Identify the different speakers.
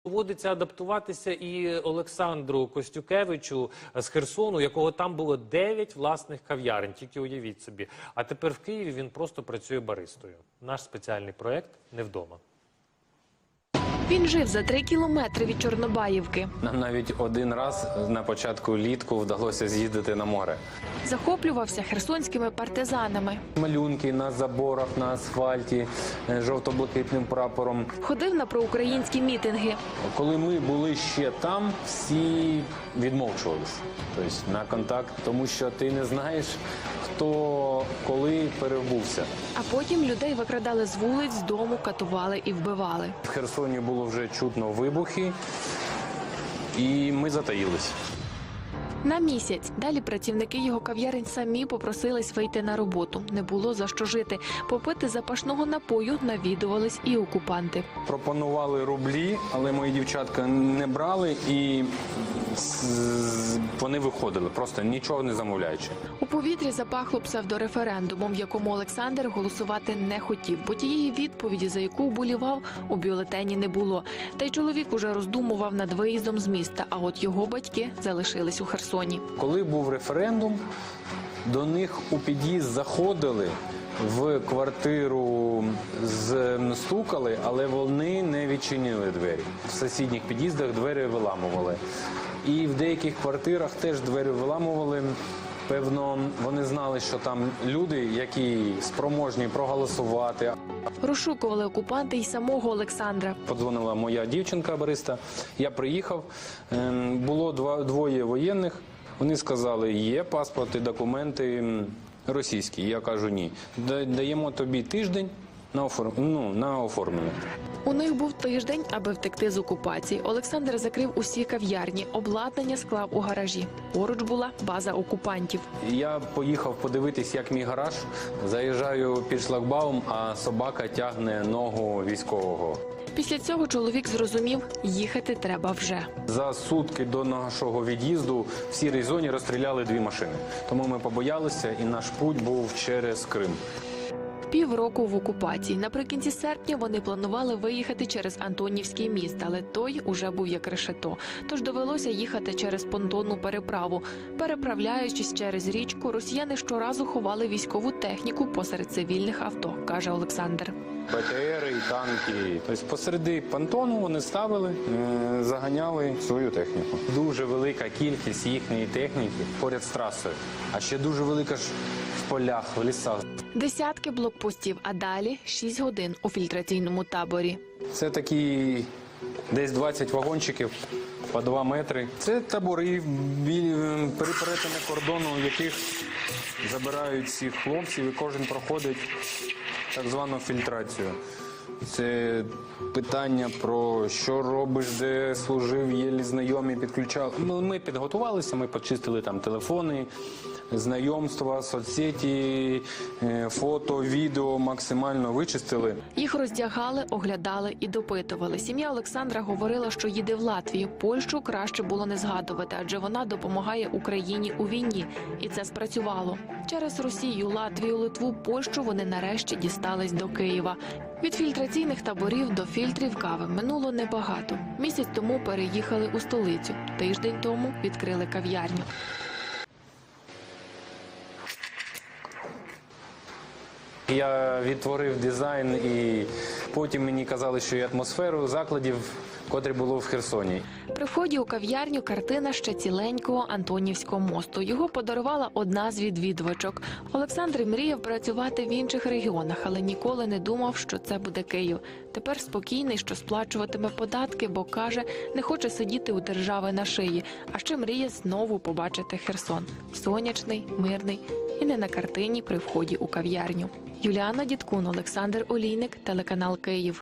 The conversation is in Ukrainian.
Speaker 1: Доводиться адаптуватися і Олександру Костюкевичу з Херсону, у якого там було 9 власних кав'ярень, тільки уявіть собі. А тепер в Києві він просто працює баристою. Наш спеціальний проєкт «Не вдома».
Speaker 2: Він жив за 3 кілометри від Чорнобаївки.
Speaker 3: Нам навіть один раз на початку літку вдалося з'їздити на море.
Speaker 2: Захоплювався херсонськими партизанами.
Speaker 3: Малюнки на заборах, на асфальті, жовто-блакитним прапором.
Speaker 2: Ходив на проукраїнські мітинги.
Speaker 3: Коли ми були ще там, всі відмовчувалися на контакт, тому що ти не знаєш, хто коли перебувся.
Speaker 2: А потім людей викрадали з вулиць, з дому, катували і вбивали.
Speaker 3: В Херсоні було вже чутно вибухи, і ми затаїлись.
Speaker 2: На місяць. Далі працівники його кав'ярень самі попросились вийти на роботу. Не було за що жити. Попити запашного напою навідувались і окупанти.
Speaker 3: Пропонували рублі, але мої дівчатка не брали, і вони виходили, просто нічого не замовляючи.
Speaker 2: У повітрі запахло псевдореферендумом, в якому Олександр голосувати не хотів, бо тієї відповіді, за яку вболівав, у бюлетені не було. Та й чоловік уже роздумував над виїздом з міста, а от його батьки залишились у Херсоні.
Speaker 3: Коли був референдум, до них у під'їзд заходили, в квартиру стукали, але вони не відчинили двері. В сусідніх під'їздах двері виламували. І в деяких квартирах теж двері виламували. Певно, вони знали, що там люди, які спроможні проголосувати.
Speaker 2: Розшукували окупанти й самого Олександра.
Speaker 3: Подзвонила моя дівчинка-бариста, я приїхав, було двоє воєнних, вони сказали, є паспорт і документи російські. Я кажу, ні. Даємо тобі тиждень на оформлення.
Speaker 2: У них був тиждень, аби втекти з окупації. Олександр закрив усі кав'ярні, обладнання склав у гаражі. Поруч була база окупантів.
Speaker 3: Я поїхав подивитись, як мій гараж. Заїжджаю під шлагбаум, а собака тягне ногу військового.
Speaker 2: Після цього чоловік зрозумів, їхати треба вже.
Speaker 3: За сутки до нашого від'їзду в сірій зоні розстріляли 2 машини. Тому ми побоялися, і наш путь був через Крим.
Speaker 2: Півроку в окупації. Наприкінці серпня вони планували виїхати через Антонівський міст, але той уже був як решето. Тож довелося їхати через понтонну переправу. Переправляючись через річку, росіяни щоразу ховали військову техніку посеред цивільних авто, каже Олександр.
Speaker 3: БТРи і танки. Тобто посереди понтону вони ставили, заганяли свою техніку. Дуже велика кількість їхньої техніки поряд з трасою. А ще дуже велика ж в полях, в лісах.
Speaker 2: Десятки блокпостів, а далі 6 годин у фільтраційному таборі.
Speaker 3: Це такі десь 20 вагончиків по 2 метри. Це табори при перетині кордону, в яких забирають всіх хлопців, і кожен проходить так звану фільтрацію. Це питання про що робиш, де служив, є знайомі, підключали. Ми підготувалися, ми почистили там телефони, знайомства, соцсеті, фото, відео максимально вичистили.
Speaker 2: Їх роздягали, оглядали і допитували. Сім'я Олександра говорила, що їде в Латвію. Польщу краще було не згадувати, адже вона допомагає Україні у війні. І це спрацювало. Через Росію, Латвію, Литву, Польщу вони нарешті дістались до Києва. Від фільтраційних таборів до фільтрів кави минуло небагато. Місяць тому переїхали у столицю. Тиждень тому відкрили кав'ярню.
Speaker 3: Я відтворив дизайн, і потім мені казали, що і атмосферу закладів, котрі було в Херсоні.
Speaker 2: При вході у кав'ярню картина ще ціленького Антонівського мосту. Його подарувала одна з відвідувачок. Олександр мріяв працювати в інших регіонах, але ніколи не думав, що це буде Київ. Тепер спокійний, що сплачуватиме податки, бо, каже, не хоче сидіти у держави на шиї, а ще мріє знову побачити Херсон. Сонячний, мирний і не на картині при вході у кав'ярню. Юліана Дідкун, Олександр Олійник, телеканал Київ.